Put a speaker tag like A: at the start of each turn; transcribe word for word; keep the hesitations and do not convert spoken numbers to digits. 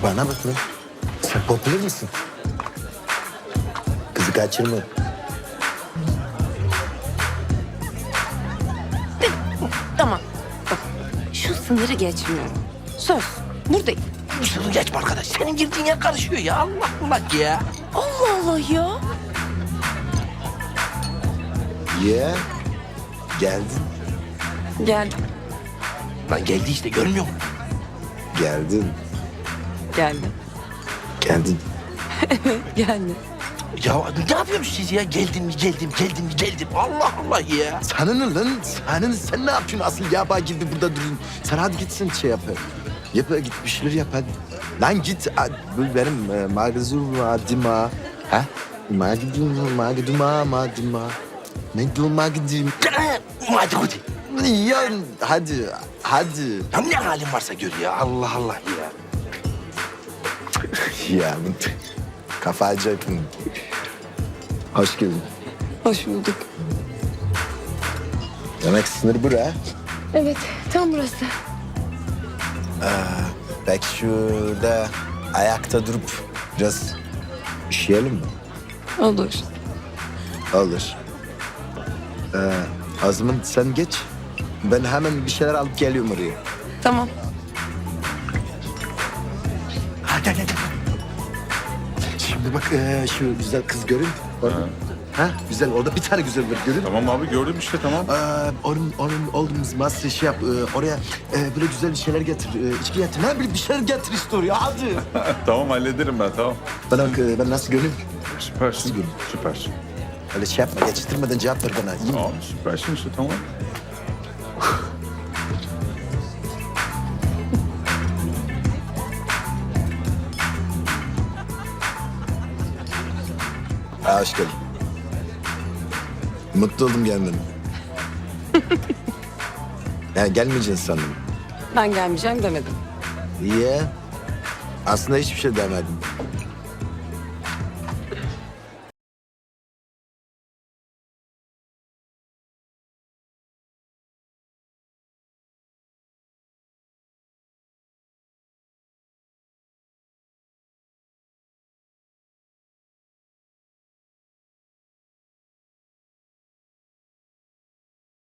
A: Bana bak lan. Sen popüler misin? Kızı kaçırma.
B: Tamam. Bak, şu sınırı geçmiyorum. Söz. Buradayım.
C: Bu sınırı geçme arkadaş. Senin girdiğin yer karışıyor ya. Allah Allah ya.
B: Allah Allah ya.
A: Ya. Geldin.
B: Geldim.
C: Lan geldi işte görmüyor musun?
A: Geldin.
B: Geldim.
A: Geldin.
B: Geldim.
C: Ya ne yapıyorsunuz siz ya? Geldim mi geldim, geldim mi geldim. Allah Allah ya.
A: Sana ne lan? Sana ne? Sen ne yapıyorsun? Asıl yaba gibi burada durun. Sen hadi gitsin şey yap. Yap git bir şeyler yap hadi. Lan git. Bu benim e, magazum adima. Ha? Magidum, magiduma, madima. Magidum, magidim.
C: Hadi hadi.
A: Ya hadi, hadi.
C: Ya ne halin varsa gör ya. Allah Allah ya.
A: Ya bu kafa acayipin. Hoş geldin.
B: Hoş bulduk.
A: Demek sınır bura.
B: Evet, tam burası.
A: Belki şurada ayakta durup biraz üşüyelim mi?
B: Olur.
A: Olur. Ee, o zaman sen geç. Ben hemen bir şeyler alıp geliyorum oraya.
B: Tamam.
C: Hadi hadi hadi.
A: Şimdi bak ee, şu güzel kız görün. Orada. Ha. Güzel. Orada bir tane güzel var görün.
D: Tamam abi gördüm işte tamam.
A: Ee, onun, onun olduğumuz masrafı şey yap. ee, oraya ee, böyle güzel bir şeyler getir. Ee, içki getir. Ne bileyim bir şeyler getir işte oraya. Hadi.
D: Tamam hallederim ben tamam.
A: Bana bak ee, ben nasıl görünüyorum?
D: Süpersin. Süpersin.
A: Öyle şey yapma. Geçiştirmeden cevap ver bana. İyi mi?
D: Tamam süpersin işte tamam.
A: Ha, hoş geldin. Mutlu oldum gelmene. Yani gelmeyeceksin sandım.
B: Ben gelmeyeceğim demedim.
A: Niye? Aslında hiçbir şey demedim.